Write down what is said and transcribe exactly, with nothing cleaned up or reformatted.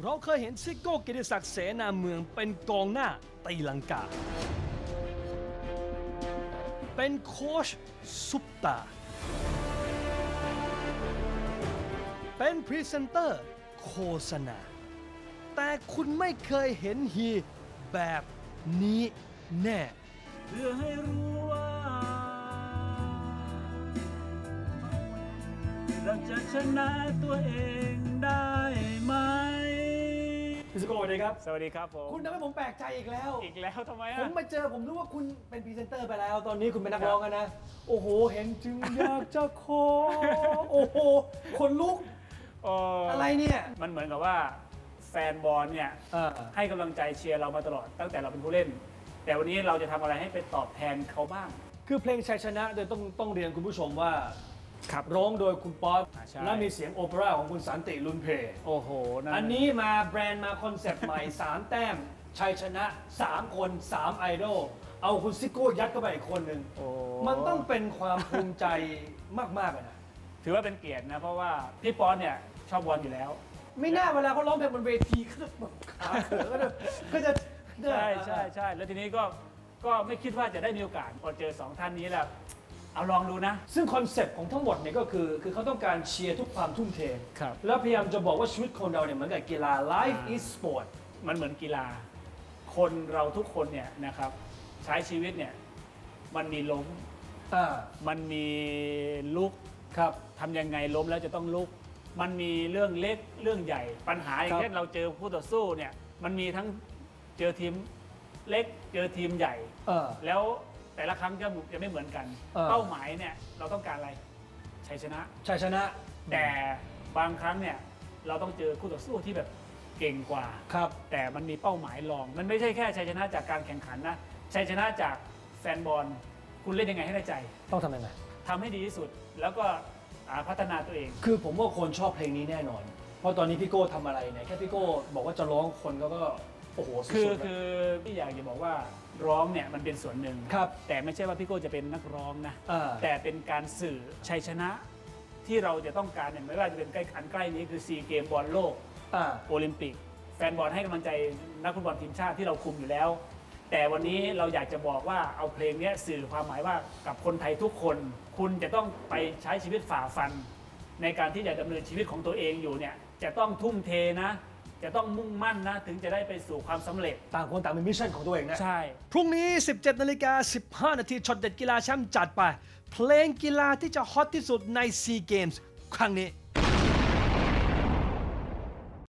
เราเคยเห็นซิโก้กิติศักดิ์เสนาเมืองเป็นกองหน้าตีลังกาเป็นโค้ชซุปตาเป็นพรีเซนเตอร์โฆษณาแต่คุณไม่เคยเห็นฮีแบบนี้แน่เพื่อให้รู้ว่าเราจะชนะตัวเองได้ไหมพี่สโก้สวัสดีครับสวัสดีครับผมคุณทำให้ผมแปลกใจอีกแล้วอีกแล้วทำไมอ่ะผมมาเจอผมรู้ว่าคุณเป็นพรีเซนเตอร์ไปแล้วตอนนี้คุณเป็นนักร้องกันนะโอ้โหเห็นจึงอยากจะขอโอ้โหคนลุกอะไรเนี่ยมันเหมือนกับว่าแฟนบอลเนี่ยให้กำลังใจเชียร์เรามาตลอดตั้งแต่เราเป็นผู้เล่นแต่วันนี้เราจะทำอะไรให้เป็นตอบแทนเขาบ้างคือเพลงชัยชนะโดยต้องต้องเรียนคุณผู้ชมว่าร้องโดยคุณป๊อปและมีเสียงโอเปร่าของคุณสันติลุนเพโอ้โหอันนี้มาแบรนด์มาคอนเซปต์ใหม่สามแต้มชัยชนะสามคนสามไอดอลเอาคุณซิโก้ยัดเข้าไปอีกคนหนึ่งมันต้องเป็นความภูมิใจมากๆเลยนะถือว่าเป็นเกียรตินะเพราะว่าพี่ป๊อปเนี่ยชอบบอลอยู่แล้วไม่น่าเวลาเขาร้องเพลงบนเวทีก็จะขาเขือก็จะก็จะใช่ใช่ใช่แล้วทีนี้ก็ก็ไม่คิดว่าจะได้มีโอกาสพอเจอสองท่านนี้แล้วเอาลองดูนะซึ่งคอนเซปต์ของทั้งหมดเนี่ยก็คือคือเขาต้องการเชียร์ทุกความทุ่มเทครับแล้วพยายามจะบอกว่าชีวิตคนเราเนี่ยเหมือนกับกีฬา life is sport มันเหมือนกีฬาคนเราทุกคนเนี่ยนะครับใช้ชีวิตเนี่ยมันมีล้มมันมีลุกครับทำยังไงล้มแล้วจะต้องลุกมันมีเรื่องเล็กเรื่องใหญ่ปัญหาอย่างเช่นเราเจอคู่ต่อสู้เนี่ยมันมีทั้งเจอทีมเล็กเจอทีมใหญ่แล้วแต่ละครั้งจะจะไม่เหมือนกันเป้าหมายเนี่ยเราต้องการอะไรชัยชนะชัยชนะแต่บางครั้งเนี่ยเราต้องเจอคู่ต่อสู้ที่แบบเก่งกว่าครับแต่มันมีเป้าหมายรองมันไม่ใช่แค่ชัยชนะจากการแข่งขันนะชัยชนะจากแฟนบอลคุณเล่นยังไงให้ได้ใจต้องทำยังไงทำให้ดีที่สุดแล้วก็พัฒนาตัวเองคือผมว่าคนชอบเพลงนี้แน่นอนเพราะตอนนี้พี่โก้ทำอะไรเนี่ยแค่พี่โก้บอกว่าจะร้องคนก็ก็โอ้โหสุดๆคือคือพี่อยากจะบอกว่าร้องเนี่ยมันเป็นส่วนหนึ่งครับแต่ไม่ใช่ว่าพี่โก้จะเป็นนักร้องนะแต่เป็นการสื่อชัยชนะที่เราจะต้องการเนี่ยไม่ว่าจะเป็นใกล้อันใกล้นี้คือซีเกมบอลโลกโอลิมปิกแฟนบอลให้กำลังใจนักฟุตบอลทีมชาติที่เราคุมอยู่แล้วแต่วันนี้เราอยากจะบอกว่าเอาเพลงนี้สื่อความหมายว่ากับคนไทยทุกคนคุณจะต้องไปใช้ชีวิตฝ่าฟันในการที่จะดำเนินชีวิตของตัวเองอยู่เนี่ยจะต้องทุ่มเทนะจะต้องมุ่งมั่นนะถึงจะได้ไปสู่ความสำเร็จต่างคนต่างมีมิชชั่นของตัวเองนะใช่พรุ่งนี้ สิบเจ็ดนาฬิกาสิบห้านาทีช็อตเด็ดกีฬาแชมป์จัดไปเพลงกีฬาที่จะฮอตที่สุดในซีเกมส์ครั้งนี้